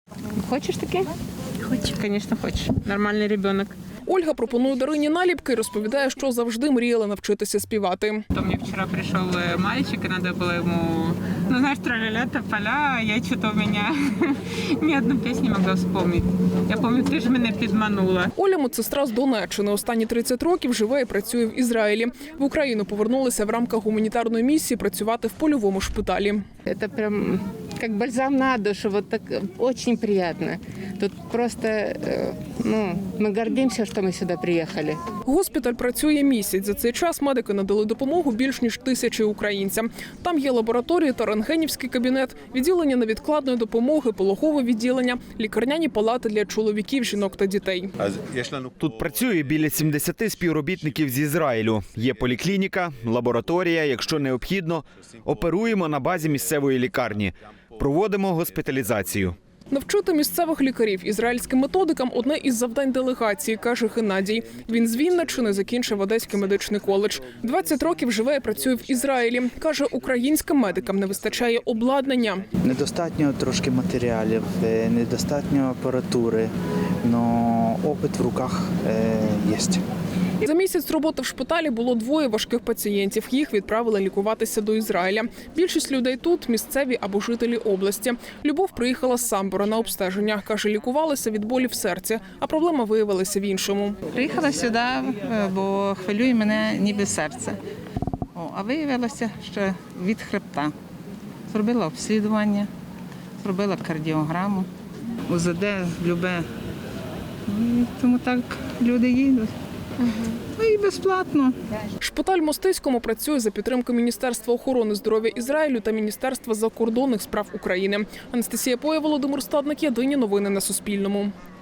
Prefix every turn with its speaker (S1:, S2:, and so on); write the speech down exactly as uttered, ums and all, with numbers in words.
S1: Хочеш таке?
S2: Хочу, звісно, хочу. Нормальний дитина.
S3: Ольга пропонує Дарині наліпки і розповідає, що завжди мріяла навчитися співати.
S2: То мне вчера пришел мальчик, и надо было ему, ну знаешь, тра-ля-ля, тополя, а я что-то у меня ни одну песню не могла вспомнить. Я помню, ти ж мене підманула.
S3: Оля – медсестра з Донеччини. Останні тридцять років живе і працює в Ізраїлі. В Україну повернулася в рамках гуманітарної місії працювати в польовому шпиталі.
S1: Это прям как бальзам на душу, вот так очень приятно. Тут просто, э, ну, мы гордимся, что мы сюда приехали.
S3: Госпіталь працює місяць. За цей час медики надали допомогу більш ніж тисячі українцям. Там є лабораторії та рентгенівський кабінет, відділення невідкладної допомоги, пологове відділення, лікарняні палати для чоловіків, жінок та дітей.
S4: Тут працює біля сімдесят співробітників з Ізраїлю. Є поліклініка, лабораторія, якщо необхідно. Оперуємо на базі місцевої лікарні. Проводимо госпіталізацію.
S3: Навчити місцевих лікарів ізраїльським методикам – одне із завдань делегації, каже Геннадій. Він з Вінниччини закінчив Одеський медичний коледж. двадцять років живе і працює в Ізраїлі. Каже, українським медикам не вистачає обладнання.
S5: Недостатньо трошки матеріалів, недостатньо апаратури, але опит в руках є.
S3: За місяць роботи в шпиталі було двоє важких пацієнтів. Їх відправили лікуватися до Ізраїля. Більшість людей тут – місцеві або жителі області. Любов приїхала з Самбора на обстеження. Каже, лікувалася від болі в серці, а проблема виявилася в іншому.
S6: Приїхала сюди, бо хвилює мене ніби серце. О, а виявилося, що від хребта. Зробила обслідування, зробила кардіограму, УЗД, любе. І тому так люди їдуть. Ну і безплатно.
S3: Шпиталь в Мостиському працює за підтримки Міністерства охорони здоров'я Ізраїлю та Міністерства закордонних справ України. Анастасія Поя, Володимир Стадник. Єдині новини на Суспільному.